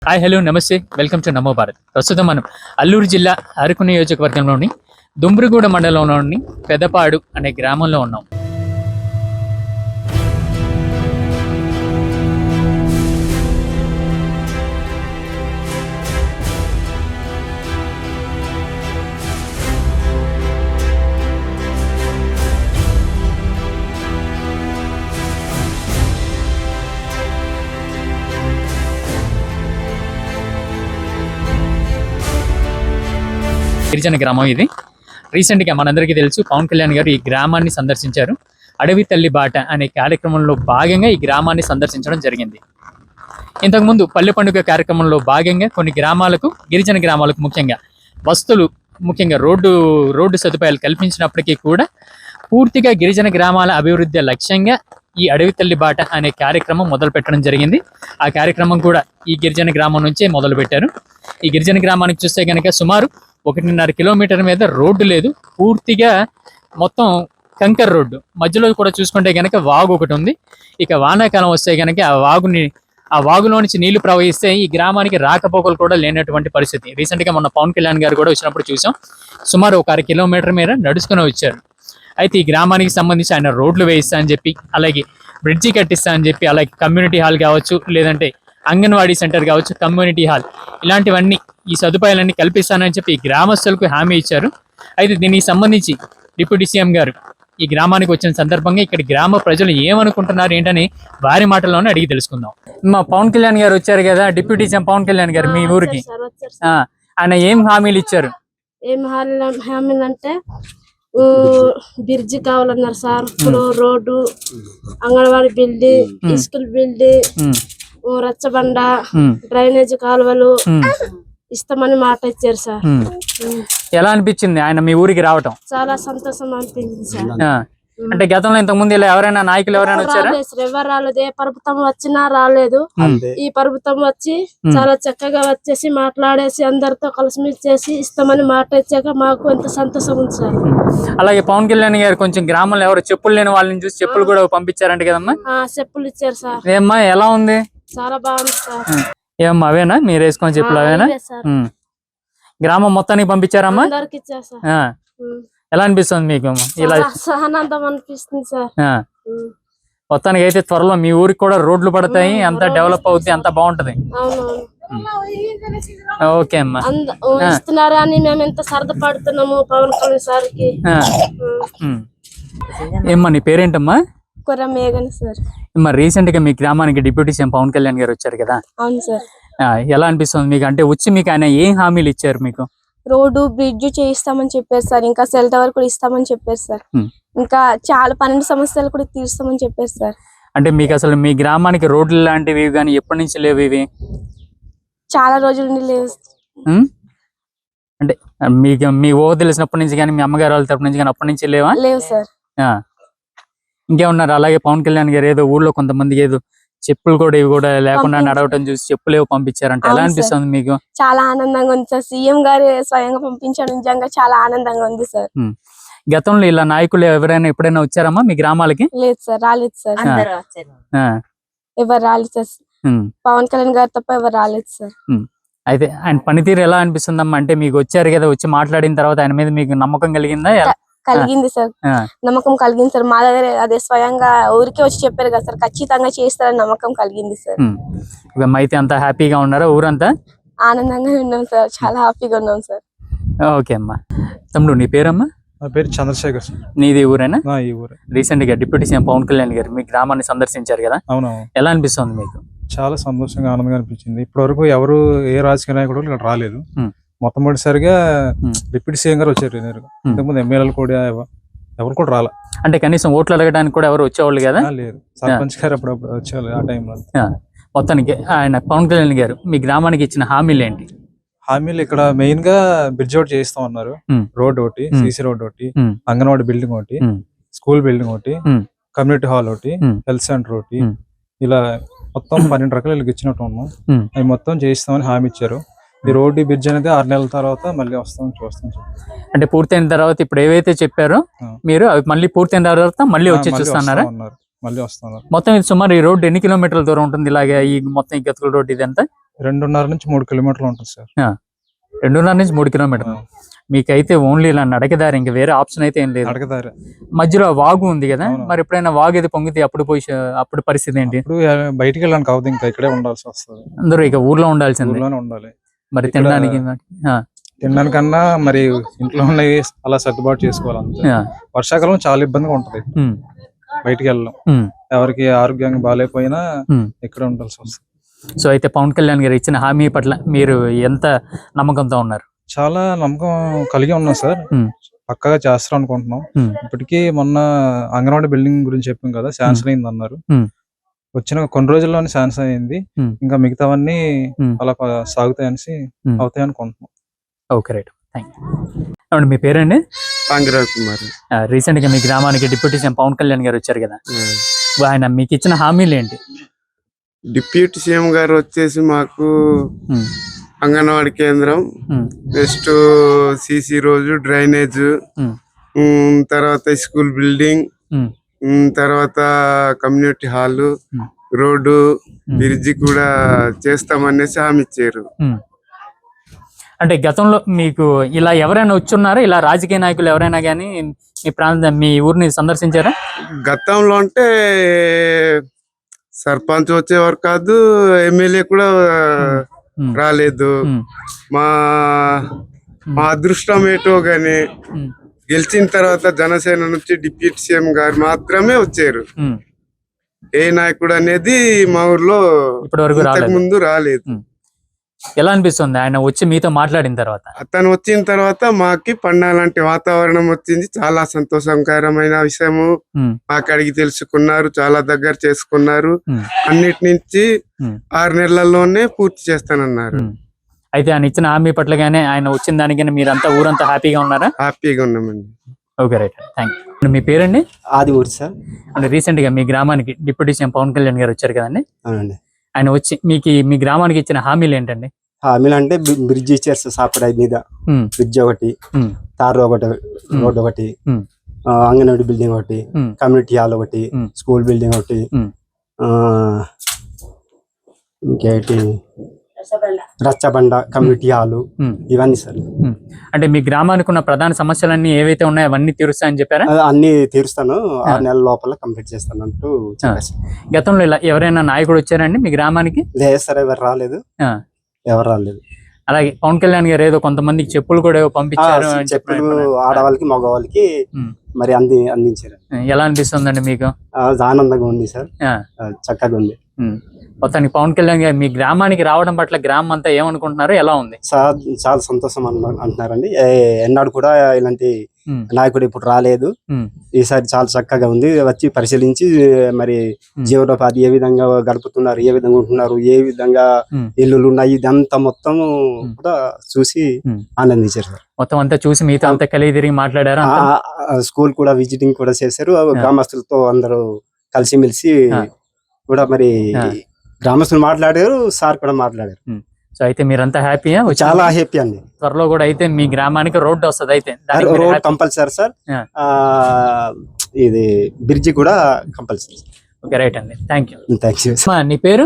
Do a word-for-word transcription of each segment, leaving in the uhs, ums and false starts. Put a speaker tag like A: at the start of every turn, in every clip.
A: Hi hello namaste welcome to Namo Bharat. ప్రస్తుతం మనం అల్లూరు జిల్లా అరకు నియోజకవర్గంలోని దుమ్రిగూడ మండలంలోని పెదపాడు అనే గ్రామంలో ఉన్నాం. గిరిజన గ్రామం ఇది. రీసెంట్గా మనందరికీ తెలుసు పవన్ కళ్యాణ్ గారు ఈ గ్రామాన్ని సందర్శించారు. అడవి తల్లి బాట అనే కార్యక్రమంలో భాగంగా ఈ గ్రామాన్ని సందర్శించడం జరిగింది. ఇంతకుముందు పల్లె పండుగ కార్యక్రమంలో భాగంగా కొన్ని గ్రామాలకు, గిరిజన గ్రామాలకు ముఖ్యంగా బస్తులు, ముఖ్యంగా రోడ్డు రోడ్డు సదుపాయాలు కల్పించినప్పటికీ కూడా పూర్తిగా గిరిజన గ్రామాల అభివృద్ధి లక్ష్యంగా ఈ అడవి తల్లి బాట అనే కార్యక్రమం మొదలు పెట్టడం జరిగింది. ఆ కార్యక్రమం కూడా ఈ గిరిజన గ్రామం నుంచే మొదలు పెట్టారు. ఈ గిరిజన గ్రామానికి చూస్తే కనుక సుమారు ఒకటిన్నర కిలోమీటర్ మీద రోడ్డు లేదు, పూర్తిగా మొత్తం కంకర్ రోడ్డు. మధ్యలో కూడా చూసుకుంటే కనుక వాగు ఒకటి ఉంది. ఇక వానాకాలం వస్తే కనుక ఆ వాగుని ఆ వాగులో నుంచి నీళ్లు ప్రవహిస్తే ఈ గ్రామానికి రాకపోకలు కూడా లేనటువంటి పరిస్థితి. రీసెంట్గా మొన్న పవన్ కళ్యాణ్ గారు కూడా వచ్చినప్పుడు చూసాం. సుమారు ఒక అర కిలోమీటర్ మీద నడుచుకుని వచ్చారు. అయితే ఈ గ్రామానికి సంబంధించి ఆయన రోడ్లు వేయిస్తా అని చెప్పి, అలాగే బ్రిడ్జి కట్టిస్తా అని చెప్పి, అలాగే కమ్యూనిటీ హాల్ కావచ్చు, లేదంటే అంగన్వాడీ సెంటర్ కావచ్చు, కమ్యూనిటీ హాల్, ఇలాంటివన్నీ ఈ సదుపాయాలన్నీ కల్పిస్తానని చెప్పి ఈ గ్రామస్తులకు హామీ ఇచ్చారు. అయితే దీనికి సంబంధించి డిప్యూటీ సీఎం గారు ఈ గ్రామానికి వచ్చిన సందర్భంగా ఇక్కడ గ్రామ ప్రజలు ఏమనుకుంటున్నారు ఏంటని వారి మాటల్లోనే అడిగి తెలుసుకుందాం. మా పవన్ కళ్యాణ్ గారు వచ్చారు కదా, డిప్యూటీ సీఎం పవన్ కళ్యాణ్ గారు మీ ఊరికి, ఆయన ఏం హామీలు ఇచ్చారు?
B: ఏం హామీలు అంటే బ్రిడ్జి కావాలన్నారు సార్, ఇప్పుడు road, anganwadi building, school building, రచ్చబండ, డ్రైనేజ్ కాలువలు ఇస్తామని మాట ఇచ్చారు సార్.
A: ఎలా అనిపించింది ఆయన మీ ఊరికి రావటం?
B: చాలా సంతోషం అనిపించింది సార్.
A: అంటే గతంలో ఇంతకు ముందు ఇలా ఎవరైనా నాయకులు ఎవరైనా వచ్చారా?
B: ఎవరు రాలేదు. ఏ ప్రభుత్వం వచ్చినా రాలేదు. ఈ ప్రభుత్వం వచ్చి చాలా చక్కగా వచ్చేసి మాట్లాడేసి అందరితో కలిసిమెలిసి చేసి ఇస్తామని మాట ఇచ్చాక మాకు ఎంత సంతోషం ఉంది సార్.
A: అలాగే పవన్ కళ్యాణ్ గారు కొంచెం గ్రామంలో ఎవరు చెప్పులు లేని వాళ్ళని చూసి చెప్పులు కూడా పంపించారంట కదమ్మా?
B: చెప్పులు ఇచ్చారు సార్.
A: ఏమ్మా ఎలా ఉంది?
B: చాలా బాగుంది సార్.
A: ఏమ్మా అవేనా మీరు వేసుకొని చెప్పులు? అవేనా? గ్రామం మొత్తానికి పంపించారమ్మా?
B: అందరికి ఇచ్చారు సార్.
A: ఎలా అనిపిస్తుంది మీకు? ఇలా
B: ఆనందం అనిపిస్తుంది సార్.
A: మొత్తానికి అయితే త్వరలో మీ ఊరికి కూడా రోడ్లు పడతాయి, అంతా డెవలప్ అవుతుంది, అంతా బాగుంటది. ఓకే అమ్మా.
B: ఇస్తున్నారు అని మేము ఎంత సరదపడుతున్నాము పవన్ కళ్యాణ్ సార్ కి.
A: ఏమ్మా నీ పేరేంటమ్మా?
B: కొర్ర మేఘన సార్.
A: మరి రీసెంట్ గా మీ గ్రామానికి డిప్యూటీ సీఎం పవన్ కళ్యాణ్ గారు వచ్చారు కదా?
B: అవును సార్.
A: ఎలా అనిపిస్తుంది మీకు? అంటే వచ్చి మీకు ఆయన ఏం హామీలు ఇచ్చారు మీకు?
B: రోడ్డు బ్రిడ్జ్ చేయిస్తామని చెప్పారు సార్, ఇంకా సెల్ టవర్ కూడా ఇస్తామని చెప్పారు సార్, ఇంకా చాలా పన్నెండు సమస్యలు కూడా తీరుస్తామని చెప్పారు సార్.
A: అంటే మీకు అసలు మీ గ్రామానికి రోడ్లు లాంటివి కానీ ఎప్పటి నుంచి లేవు ఇవి?
B: చాలా రోజుల నుండి లేవు.
A: అంటే మీకు మీ ఓ తెలిసినప్పటి నుంచి కానీ, మీ అమ్మగారు వాళ్ళ తరపు నుంచి కానీ అప్పటి నుంచి లేవా?
B: లేవు సార్.
A: ఇంకేమన్నారు? అలాగే పవన్ కళ్యాణ్ గారు ఏదో ఊర్లో కొంతమంది ఏదో చెప్పులు కూడా ఇవి కూడా లేకుండా నడవటం చూసి చెప్పులు ఏవో పంపించారంటే ఎలా అనిపిస్తుంది మీకు?
B: చాలా ఆనందంగా ఉంది సార్. సీఎం గారు స్వయంగా పంపించడం నిజంగా చాలా ఆనందంగా ఉంది సార్.
A: గతంలో ఇలా నాయకులు ఎవరైనా ఎప్పుడైనా వచ్చారమ్మా మీ గ్రామాలకి?
B: లేదు సార్, రాలేదు సార్. ఎవరు రాలేదు సార్, పవన్ కళ్యాణ్ గారు తప్ప ఎవరు రాలేదు సార్.
A: అయితే ఆయన పనితీరు ఎలా అనిపిస్తుందమ్మా? అంటే మీకు వచ్చారు కదా, వచ్చి మాట్లాడిన తర్వాత ఆయన మీద మీకు నమ్మకం కలిగిందా?
B: కలిగింది సార్, నమ్మకం కలిగింది సార్. మా దగ్గర అదే స్వయంగా ఊరికే వచ్చి చెప్పారు కదా సార్, ఖచ్చితంగా చేస్తారని నమ్మకం కలిగింది సార్.
A: అయితే అంతా హ్యాపీగా ఉన్నారా? ఊరంతా
B: ఆనందంగా ఉన్నాం సార్, చాలా హ్యాపీగా ఉన్నాం సార్.
A: ఓకే అమ్మా. తమ్ముడు నీ పేరమ్మా?
C: నా పేరు చంద్రశేఖర్ సార్.
A: నీది ఊరేనా?
C: ఈ ఊరే.
A: రీసెంట్ గా డిప్యూటీ సీఎం పవన్ కళ్యాణ్ గారు మీ గ్రామాన్ని సందర్శించారు కదా?
C: అవునవును.
A: ఎలా అనిపిస్తుంది మీకు?
C: చాలా సంతోషంగా ఆనందంగా అనిపించింది. ఇప్పటి వరకు ఎవరు ఏ రాజకీయ నాయకుడు ఇక్కడ రాలేదు. మొట్టమొదటిసారిగా డిప్యూటీ సీఎం గారు వచ్చారు. ఇంతకుముందు ఎమ్మెల్యేలు కూడా ఎవరు కూడా రాలే.
A: అంటే కనీసం ఓట్లు అడగడానికి కూడా ఎవరు వచ్చేవాళ్ళు కదా?
C: లేదు. సర్పంచ్ గారు అప్పుడప్పుడు వచ్చేవాళ్ళు ఆ టైంలో.
A: మొత్తానికి ఆయన పవన్ కళ్యాణ్ గారు మీ గ్రామానికి ఇచ్చిన హామీలు ఏంటి?
C: హామీలు ఇక్కడ మెయిన్ గా బ్రిడ్జ్ ఒకటి చేస్తాం అన్నారు, రోడ్ ఒకటి, సీసీ రోడ్ ఒకటి, అంగన్వాడీ బిల్డింగ్ ఒకటి, స్కూల్ బిల్డింగ్ ఒకటి, కమ్యూనిటీ హాల్ ఒకటి, హెల్త్ సెంటర్ ఒకటి, ఇలా మొత్తం పన్నెండు రకాలు ఇచ్చినట్టు ఉన్నాం. అవి మొత్తం చేయిస్తామని హామీ ఇచ్చారు. ఈ రోడ్డు బ్రిడ్జ్ అనేది ఆరు నెలల తర్వాత మళ్ళీ వస్తాం చూస్తాం.
A: అంటే పూర్తయిన తర్వాత ఇప్పుడు ఏవైతే చెప్పారో మీరు అవి మళ్ళీ పూర్తయిన తర్వాత మళ్ళీ వచ్చి చూస్తున్నారా?
C: మళ్ళీ వస్తున్నారు.
A: మొత్తం ఇది సుమారు ఈ రోడ్డు ఎన్ని కిలోమీటర్ల దూరం ఉంటుంది? ఇలాగే ఈ మొత్తం ఈ గతుకుల రోడ్డు ఇది ఎంత?
C: రెండున్నర నుంచి మూడు కిలోమీటర్లు ఉంటుంది సార్.
A: రెండున్నర నుంచి మూడు కిలోమీటర్లు. మీకైతే ఓన్లీ ఇలా నడకదారి, ఇంకా వేరే ఆప్షన్ అయితే ఏం లేదు.
C: నడకదారి
A: మధ్యలో వాగు ఉంది కదా, మరి ఎప్పుడైనా వాగు ఏది పొంగితే అప్పుడు పోయి అప్పుడు పరిస్థితి ఏంటి?
C: ఇప్పుడు బయటికి వెళ్ళడానికి అవుతుంది, ఇంకా ఇక్కడే ఉండాల్సి వస్తుంది.
A: అందరూ ఇక ఊర్లో ఉండాల్సిందే.
C: ఊర్లోనే ఉండాలి.
A: మరి తినడానికి ఆ,
C: తినడానికన్నా మరి ఇంట్లో ఉన్నవి అలా సర్దుబాటు చేసుకోవాలి అంతే.
A: ఆ,
C: వర్షాకాలం చాలా ఇబ్బందిగా ఉంటది
A: ఉమ్,
C: బయటికి వెళ్ళడం.
A: ఉమ్,
C: ఎవరికి ఆరోగ్యంగా బాగాలేకపోయినా
A: ఉమ్.
C: ఇక్కడ ఉండాల్సి వస్తుంది.
A: సో అయితే పవన్ కళ్యాణ్ గారు ఇచ్చిన హామీ పట్ల మీరు ఎంత నమ్మకంతో ఉన్నారు?
C: చాలా నమ్మకం కలిగి ఉన్నాం సార్.
A: ఉమ్,
C: పక్కగా చేస్తారు అనుకుంటున్నాం.
A: ఉమ్,
C: ఇప్పటికీ మొన్న అంగన్వాడీ బిల్డింగ్ గురించి చెప్పాం కదా, శాంక్షన్ అయింది అన్నారు.
A: ఉమ్.
C: వచ్చిన కొన్ని రోజుల్లోనే శాంక్షన్ అయింది.
A: ఉమ్.
C: ఇంకా మిగతావన్నీ
A: ఉమ్.
C: అలా ప- సాగుతాయనేసి
A: ఉమ్.
C: అవుతాయి అనుకుంటున్నాం.
A: Okay right, thank you. మీ పేరండి?
D: పాంగిరావు కుమార్.
A: రీసెంట్ గా మీ గ్రామానికి డిప్యూటీ సీఎం పవన్ కళ్యాణ్ గారు వచ్చారు కదా, ఆయన మీకు ఇచ్చిన హామీలు ఏంటి?
D: డిప్యూటీ సీఎం గారు వచ్చేసి మాకు
A: ఉమ్,
D: అంగన్వాడీ కేంద్రం,
A: ఉమ్,
D: నెక్స్ట్ సిసి రోజు, డ్రైనేజ్,
A: ఉమ్,
D: ఉమ్, తర్వాత స్కూల్ బిల్డింగ్,
A: ఉమ్,
D: ఉమ్, తర్వాత community hall,
A: um,
D: road,
A: um.
D: Bridge కూడా చేస్తామనేసి హామీ ఇచ్చారు.
A: ఉమ్. అంటే గతంలో మీకు ఇలా ఎవరైనా వచ్చున్నారా? ఇలా రాజకీయ నాయకులు ఎవరైనా కానీ మీ ప్రాంతం మీ ఊరిని సందర్శించారా?
D: గతంలో అంటే సర్పంచ్ వచ్చేవారు కాదు, ఎమ్మెల్యే కూడా
A: ఉమ్,
D: రాలేదు.
A: ఉమ్,
D: మా మా అదృష్టం ఏటో గాని
A: ఉమ్,
D: గెలిచిన తర్వాత జనసేన నుంచి డిప్యూటీ సీఎం గారు మాత్రమే వచ్చారు.
A: ఉమ్.
D: ఏ నాయకుడు అనేది మా ఊర్లో
A: ఇప్పటి వరకు
D: ఇంతకు
A: రాలేదు.
D: ముందు రాలేదు.
A: ఉమ్. ఎలా అనిపిస్తుంది ఆయన వచ్చి మీతో మాట్లాడిన తర్వాత?
D: అతను వచ్చిన తర్వాత మాకి పండాలంటే వాతావరణం వచ్చింది. చాలా సంతోషకరమైన విషయము.
A: ఉమ్,
D: మాకు అడిగి తెలుసుకున్నారు, చాలా దగ్గర చేసుకున్నారు.
A: ఉమ్,
D: అన్నిటి నుంచి
A: ఉమ్,
D: ఆరు నెలల్లోనే పూర్తి చేస్తానన్నారు.
A: ఉమ్. అయితే ఆయన ఇచ్చిన హామీ పట్లగానే ఆయన వచ్చిన దానికైనా మీరంతా ఊరంతా హ్యాపీగా ఉన్నారా?
D: హ్యాపీగా ఉన్నామండి.
A: Okay right, thank you. మీ పేరండి?
E: ఆది ఊరి సార్.
A: అంటే రీసెంట్ గా మీ గ్రామానికి డిప్యూటీ సీఎం పవన్ కళ్యాణ్ గారు వచ్చారు కదండి,
E: అవునండి.
A: ఆయన వచ్చి మీకు ఈ- మీ గ్రామానికి ఇచ్చిన హామీలు ఏంటండి?
E: హామీలు అంటే బి- బ్రిడ్జ్ ఇచ్చారు సార్, సాపరాయి మీద
A: ఉమ్,
E: బ్రిడ్జ్ ఒకటి,
A: ఉమ్,
E: తార్ ఒకటి, రోడ్ ఒకటి,
A: ఉమ్,
E: ఆ, అంగన్వాడీ బిల్డింగ్ ఒకటి,
A: ఉమ్,
E: కమ్యూనిటీ హాల్ ఒకటి,
A: ఉమ్.
E: స్కూల్ బిల్డింగ్ ఒకటి,
A: ఉమ్,
E: ఆ, ఇంకేంటి రచ్చబండ కమ్యూనిటీ హాల్,
A: ఉమ్,
E: ఇవన్నీ సార్.
A: ఉమ్. అంటే మీ గ్రామానికి ఉన్న ప్రధాన సమస్యలన్నీ ఏవైతే ఉన్నాయో అవన్నీ తీరుస్తాయని చెప్పారా?
E: అది అన్ని తీరుస్తాను, ఆరు నెలల లోపల కంప్లీట్ చేస్తాను అంటూ చెప్పారు సార్.
A: గతంలో ఇలా ఎవరైనా నాయకుడు వచ్చారండి మీ గ్రామానికి?
E: లేదు సార్, ఎవరు రాలేదు,
A: ఆ,
E: ఎవరు రాలేదు.
A: అలాగే పవన్ కళ్యాణ్ గారు ఏదో కొంతమందికి చెప్పులు కూడా ఏవో
E: ఆ,
A: పంపించారు అని చెప్పి
E: చెప్పులు
A: అనుకున్నాను.
E: ఆడవాళ్ళకి మగవాళ్ళకి
A: ఉమ్.
E: మరి అంది అందించారు.
A: ఎలా అనిపిస్తుందండి మీకు?
E: ఆ, ఆనందంగా ఉంది సార్,
A: ఆ,
E: ఆ, చక్కగా ఉంది.
A: ఉమ్. మొత్తానికి పవన్ కళ్యాణ్ గారు మీ గ్రామానికి రావడం పట్ల గ్రామం అంతా ఏమనుకుంటున్నారు, ఎలా ఉంది?
E: చాలా చాలా సంతోషం అన్న- అంటున్నారండి. ఏ- ఎన్నాడు కూడా ఇలాంటి
A: ఉమ్,
E: నాయకుడు ఇప్పుడు రాలేదు.
A: ఉమ్,
E: ఈసారి చాలా చక్కగా ఉంది. వచ్చి పరిశీలించి మరి
A: ఉమ్.
E: జీవనోపాధి ఏ విధంగా గడుపుతున్నారు, ఏ విధంగా ఉంటున్నారు, ఏ విధంగా
A: ఉమ్.
E: ఇల్లులు ఉన్నాయి, ఇదంతా మొత్తం
A: ఉమ్.
E: కూడా చూసి
A: ఉమ్.
E: ఆనందించారు సార్.
A: మొత్తం అంతా చూసి మీతో అంతా కలిగి తిరిగి మాట్లాడారా?
E: ఆ- ఆ- ఆ స్కూల్ కూడా విజిటింగ్ కూడా చేశారు. ఆ గ్రామస్తులతో అందరూ కలిసిమెలిసి
A: ఆ.
E: కూడా మరి
A: ఆ.
E: గ్రామస్తులు మాట్లాడారు, సార్ కూడా మాట్లాడారు.
A: సో అయితే మీరంతా హ్యాపీయా?
E: చాలా హ్యాపీ అండి.
A: త్వరలో కూడా అయితే మీ గ్రామానికి రోడ్డు వస్తుంది అయితే దానికి మీరు
E: రోడ్
A: happy?
E: Compulsory sir.
A: ఆ.
E: ఆ, ఇది బ్రిడ్జి కూడా కంపల్సరీ.
A: ఓకే రైట్ అండి, థ్యాంక్ యూ.
E: Thank you.
A: మా నీ పేరు?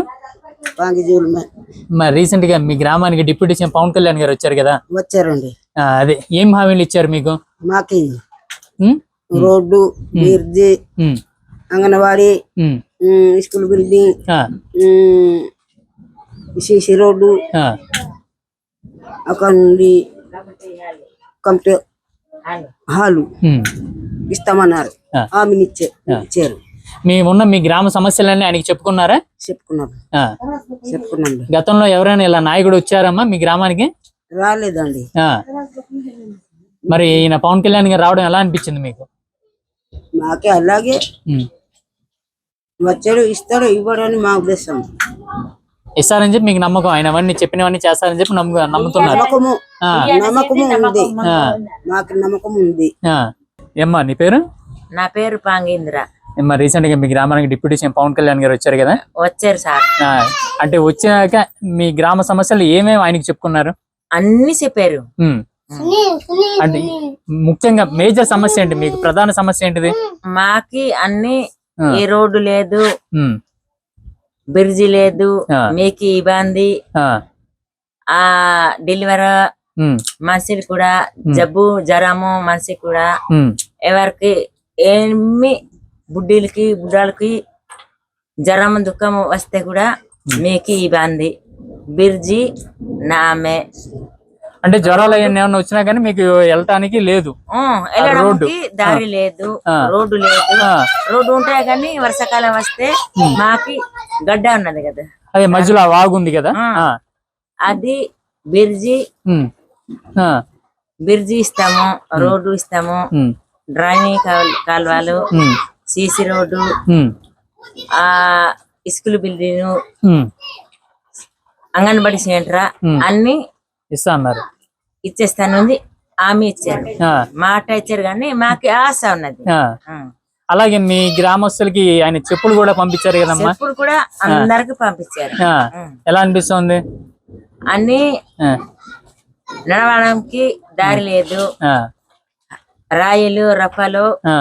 A: మా రీసెంట్ గా మీ గ్రామానికి డిప్యూటీ సీఎం పవన్ కళ్యాణ్ గారు వచ్చారు కదా,
F: వచ్చారండి.
A: ఆ, అదే ఏం హామీలు ఇచ్చారు మీకు?
F: మాకి
A: um,
F: road, bridge,
A: um,
F: anganwadi,
A: um,
F: um, school building,
A: ఆ,
F: ఉమ్, సిసి రోడ్డు,
A: ఆ,
F: అక్కడ నుండి కమిటీ హాలు
A: ఉమ్.
F: ఇస్తామన్నారు.
A: ఆ.
F: హామీని ఇచ్చే ఇచ్చారు.
A: మేమున్న మీ గ్రామ సమస్యలన్నీ ఆయనకి చెప్పుకున్నారా?
F: చెప్పుకున్నాం
A: ఆ.
F: చెప్పుకున్నాం
A: గతంలో ఎవరైనా ఇలా నాయకుడు వచ్చారమ్మా మీ గ్రామానికి?
F: రాలేదండి.
A: ఆ. మరి ఈయన పవన్ కళ్యాణ్ గారు రావడం ఎలా అనిపించింది మీకు?
F: మాకే అలాగే
A: ఉమ్.
F: వచ్చాడు, ఇస్తాడు, ఇవ్వడని మా ఉద్దేశం.
A: ఇస్తారని చెప్పి మీకు నమ్మకం, ఆయన అవన్నీ చెప్పినవన్నీ చేస్తారని చెప్పి నమ్ము నమ్ముతున్నారు.
F: నమ్మకము
A: ఆ.
F: నమ్మకము ఉంది,
A: ఆ.
F: మాకు నమ్మకం ఉంది.
A: ఆ. ఏమ్మా నీ పేరు?
G: నా పేరు పాంగేంద్ర.
A: ఏమ్మా రీసెంట్ గా మీ గ్రామానికి డిప్యూటీ సీఎం పవన్ కళ్యాణ్ గారు వచ్చారు కదా,
G: వచ్చారు సార్.
A: ఆ, అంటే వచ్చాక మీ గ్రామ సమస్యలు ఏమేమి ఆయనకి చెప్పుకున్నారు?
G: అన్ని చెప్పారు.
A: ఉమ్. అంటే ముఖ్యంగా మేజర్ సమస్య ఏంటి మీకు? ప్రధాన సమస్య ఏంటిది?
G: మాకి అన్ని
A: ఆ.
G: ఏ రోడ్డు లేదు,
A: ఉమ్,
G: బ్రిడ్జి లేదు,
A: ఆ.
G: మీకు ఇబ్బంది.
A: ఆ,
G: ఆ డెలివరీ
A: ఉమ్,
G: మనిషికి కూడా జబ్బు జ్వరము మనిషికి కూడా
A: ఉమ్,
G: ఎవరికి ఏమి బుడ్డీలకి బుడ్డాలకి జ్వరం దుఃఖం వస్తే కూడా మీకు ఇబ్బంది. బిర్జి నామే
A: అంటే జ్వరాలు అవన్నీ ఏమన్నా వచ్చినా కానీ మీకు వెళ్ళటానికి లేదు.
G: ఆ, వెళ్ళడానికి దారి లేదు,
A: ఆ.
G: రోడ్డు లేదు.
A: ఆ,
G: రోడ్డు ఉంటాయి కానీ వర్షాకాలం వస్తే మాకి గడ్డ ఉన్నది కదా,
A: అదే మధ్యలో ఆ వాగు ఉంది కదా.
G: ఆ.
A: ఆ,
G: అది బిర్జి
A: ఉమ్, ఆ,
G: బిర్జి ఇస్తాము, రోడ్డు ఇస్తాము,
A: ఉమ్,
G: డ్రైనేజ్ కాల్- కాలువలు,
A: ఉమ్,
G: సీసీ రోడ్డు,
A: ఉమ్,
G: ఆ school building,
A: um,
G: anganwadi centre
A: um.
G: అన్ని
A: ఇస్తా అన్నారు.
G: ఇచ్చేస్తానుంది. హామీ ఇచ్చారు,
A: ఆ,
G: మాట ఇచ్చారు కానీ మాకు ఆశ ఉన్నది.
A: ఆ.
G: ఆ.
A: అలాగే మీ గ్రామస్తులకి ఆయన చెప్పులు కూడా పంపించారు కదమ్మా.
G: చెప్పులు కూడా అందరికి పంపించారు.
A: ఆ,
G: ఉం.
A: ఎలా అనిపిస్తుంది?
G: అన్ని
A: ఆ,
G: నడవడానికి దారి లేదు,
A: ఆ,
G: రాయిలు రఫలు
A: ఆ,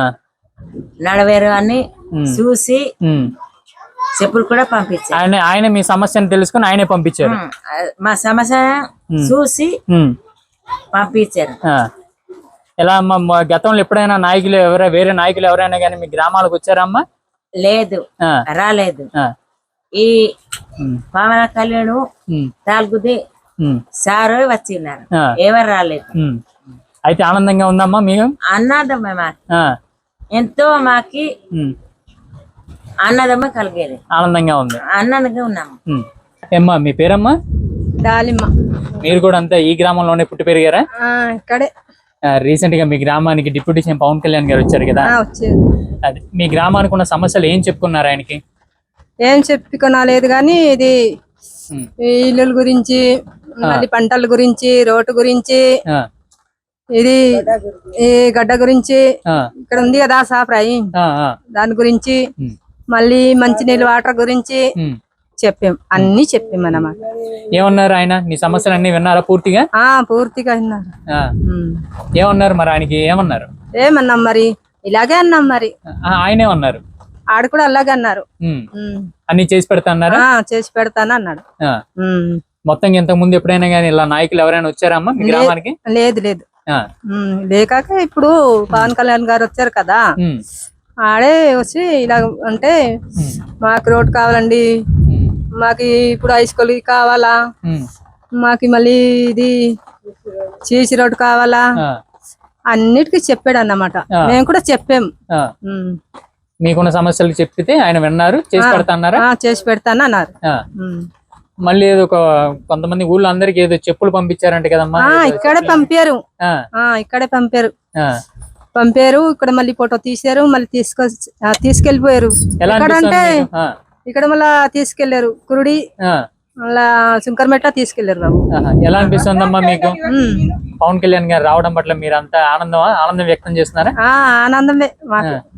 G: నడవేరు అని
A: ఉం.
G: చూసి
A: ఉమ్.
G: చెప్పులు కూడా పంపించారు.
A: ఆయన ఆయన మీ సమస్యను తెలుసుకుని ఆయనే పంపించారు.
G: ఉం. మా సమస్య
A: ఉం.
G: చూసి
A: ఉమ్,
G: పంపించారు.
A: ఆ. ఎలా అమ్మా మా గతంలో ఎప్పుడైనా నాయకులు ఎవరైనా వేరే నాయకులు ఎవరైనా కానీ మీ గ్రామాలకు వచ్చారమ్మా?
G: లేదు,
A: ఆ,
G: రాలేదు.
A: ఆ,
G: ఈ
A: ఉమ్,
G: పవన కళ్యాణ్
A: ఉమ్,
G: తాల్గుది
A: ఉమ్,
G: సారు వచ్చిన్నారు,
A: ఆ.
G: ఎవరు రాలేదు.
A: ఉమ్. అయితే ఆనందంగా ఉందమ్మా మీకు?
G: అన్నదమ్మ మాకు
A: ఆ,
G: ఎంతో మాకి
A: ఉమ్,
G: అన్నదమ్మ కలిగేది,
A: ఆనందంగా ఉంది.
G: అన్నదంగా ఉన్నాము.
A: ఉమ్. ఏమ్మా మీ పేరమ్మా?
B: దాలిమ్మ
A: మీరు కూడా అంతా ఈ గ్రామంలోనే పుట్టి పెరిగారా?
B: ఇక్కడే
A: రీసెంట్ గా మీ గ్రామానికి డిప్యూటీ సీఎం పవన్ కళ్యాణ్ గారు వచ్చారు కదా.
B: వచ్చేది.
A: అది మీ గ్రామానికి ఉన్న సమస్యలు ఏం చెప్పుకున్నారు ఆయనకి?
B: ఏం చెప్పుకోలేదు కానీ ఇది
A: ఉమ్,
B: ఈ ఇల్లుల గురించి, మళ్ళీ పంటల గురించి, రోడ్డు గురించి,
A: ఆ,
B: ఇది ఈ గడ్డ గురించి,
A: ఆ,
B: ఇక్కడ ఉంది కదా సాప్రాయి,
A: ఆ, ఆ,
B: దాని గురించి,
A: ఉమ్,
B: మళ్ళీ మంచినీళ్ళు వాటర్ గురించి
A: ఉమ్.
B: చెప్పాం. అన్ని చెప్పాం అన్నమాట.
A: ఏమన్నారు ఆయన? మీ సమస్యలు అన్ని విన్నారా పూర్తిగా?
B: ఆ పూర్తిగా విన్నారు.
A: ఆ,
B: ఉమ్.
A: ఏమన్నారు మరి ఆయనకి? ఏమన్నారు?
B: ఏమన్నాం మరి, ఇలాగే అన్నాం మరి.
A: ఆ, ఆయనేమన్నారు?
B: ఆడ కూడా అలాగే అన్నారు.
A: ఉమ్.
B: ఉమ్.
A: అన్ని చేసి పెడతా అన్నారా?
B: ఆ, చేసి పెడతాను అన్నాడు.
A: ఆ.
B: ఉమ్.
A: మొత్తం ఇంతకు ముందు ఎప్పుడైనా కానీ ఇలా నాయకులు ఎవరైనా వచ్చారమ్మా మీ గ్రామానికి?
B: లేదు లేదు.
A: ఆ,
B: ఉమ్. లేకాక ఇప్పుడు పవన్ కళ్యాణ్ గారు వచ్చారు కదా,
A: ఉమ్,
B: ఆడే వచ్చి ఇలా అంటే
A: ఉమ్,
B: మాకు రోడ్ కావాలండి,
A: ఉమ్,
B: మాకు ఇప్పుడు హై స్కూల్ కావాలా,
A: ఉమ్,
B: మాకు మళ్ళీ ఇది సీసీ రోడ్ కావాలా,
A: ఆ,
B: అన్నిటికీ చెప్పాడు అన్నమాట.
A: ఆ.
B: మేము కూడా చెప్పాం.
A: ఆ.
B: ఉమ్.
A: మీకున్న సమస్యలు చెప్తే ఆయన విన్నారు, చేసి పెడతా అన్నారా?
B: ఆ, చేసి పెడతాను అన్నారు.
A: ఆ.
B: ఉమ్.
A: మళ్ళీ ఏదో ఒక కొంతమంది ఊళ్ళో అందరికి ఏదో చెప్పులు పంపించారంట కదమ్మా.
B: ఆ, ఇక్కడే పంపారు.
A: ఆ,
B: ఆ, ఇక్కడే పంపారు
A: ఆ.
B: పంపారు ఇక్కడ మళ్ళీ ఫోటో తీసారు, మళ్ళీ తీసుకొ ఆ, తీసుకెళ్లిపోయారు.
A: ఎలా
B: ఎక్కడ
A: అనిపిస్తుంది
B: అంటే
A: మీకు? ఆ,
B: ఇక్కడ మళ్ళా తీసుకెళ్లారు కురుడి,
A: ఆ,
B: మళ్ళా శంకర్మెట్ట తీసుకెళ్లారు బాబు.
A: ఆహా. ఎలా అనిపిస్తుందమ్మా మీకు?
B: ఉమ్.
A: పవన్ కళ్యాణ్ గారు రావడం పట్ల మీరు అంతా ఆనందం ఆనందం వ్యక్తం చేస్తున్నారా?
B: ఆ, ఆనందమే మాకు.
A: ఆ.